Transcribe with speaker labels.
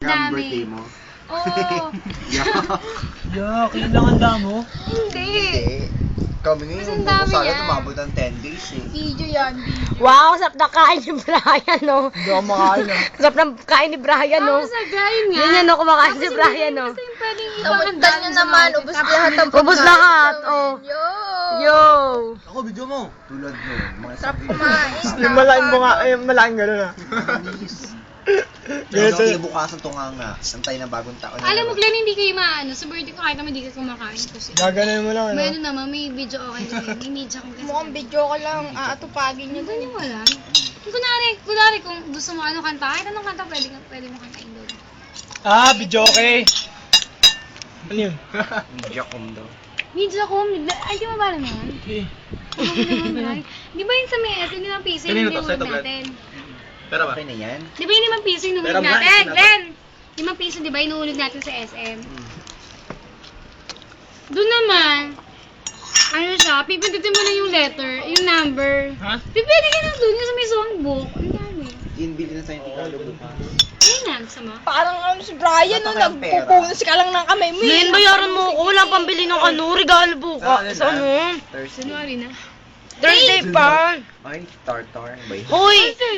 Speaker 1: birthday mo.
Speaker 2: Oo.
Speaker 3: Yak, yun lang ang damo.
Speaker 2: Hindi.
Speaker 1: Kami
Speaker 2: Mas
Speaker 1: ngayon,
Speaker 2: ang dami
Speaker 1: sana
Speaker 2: yan.
Speaker 1: tumabot ng 10 days eh.
Speaker 2: Video yan, video.
Speaker 4: Wow, sarap na kain ni Brian, no?
Speaker 3: Hindi ako makain ah.
Speaker 4: Sarap ng kain ni Brian, no?
Speaker 2: Tapos nag-grind nga.
Speaker 4: Yun yan, no? Kumakain si Brian, no?
Speaker 2: Kasi yung pwedeng
Speaker 5: Namuntan
Speaker 2: ipakandaan
Speaker 5: nyo
Speaker 2: sa
Speaker 5: naman,
Speaker 2: market.
Speaker 5: ubos lahat ang
Speaker 4: Ubus lahat, oh.
Speaker 5: Yo!
Speaker 4: Yo!
Speaker 3: Ako, video mo.
Speaker 1: Tulad mo, mga
Speaker 5: Sarap
Speaker 1: sabi.
Speaker 5: kumain.
Speaker 3: Yung malaking bunga, malaking gano'n ah.
Speaker 1: Ganito. Kinabukasan to nga. Antay na bagong taon. na
Speaker 2: Alam mo,
Speaker 1: naman.
Speaker 2: Glenn, hindi kayo maano. Sa birthday ko kahit naman hindi ka kumakain kasi.
Speaker 3: Gaganon mo lang,
Speaker 2: May
Speaker 3: ano?
Speaker 2: ano naman, may video okay doon eh. May media kong kasi.
Speaker 5: Mukhang video ko lang, aatupagin nyo
Speaker 2: Hindi
Speaker 5: dun.
Speaker 2: nyo alam. Kunwari kung gusto mo ano kanta, kahit anong kanta pwede mo kantain doon.
Speaker 3: Ah, video okay. Ano yun?
Speaker 1: Media com daw.
Speaker 2: Media ko, ay di mo ba alam yun?
Speaker 3: Okay.
Speaker 2: Di ba yun sa may hindi naman piso yung nilunod natin?
Speaker 3: Pero
Speaker 1: Okay na yan?
Speaker 2: Di ba yun 5 piso yung
Speaker 3: Pero
Speaker 2: nilunod
Speaker 3: ba,
Speaker 2: natin?
Speaker 3: sinabi-
Speaker 2: Glenn! 5 piso di ba inuunog natin sa SM? Doon naman, ano siya, pipindutin mo na yung letter, yung number.
Speaker 3: Ha?
Speaker 2: Pipili ka na doon yung sa may songbook. Ang dami.
Speaker 1: Inbili na sa'yo yung Tagalog bukas.
Speaker 2: Ayun na, gusto mo?
Speaker 5: Parang ano si Brian, no,
Speaker 1: Wala tayong pera.
Speaker 5: nagpupunas ka lang ng kamay mo. eh.
Speaker 4: Ngayon, bayaran mo ako. Wala pambili ng ano, regalo bukas. Sa ano?
Speaker 1: Thursday.
Speaker 2: January na.
Speaker 4: Thursday pa.
Speaker 1: Ay, tartar. Ba yun?
Speaker 4: Hoy!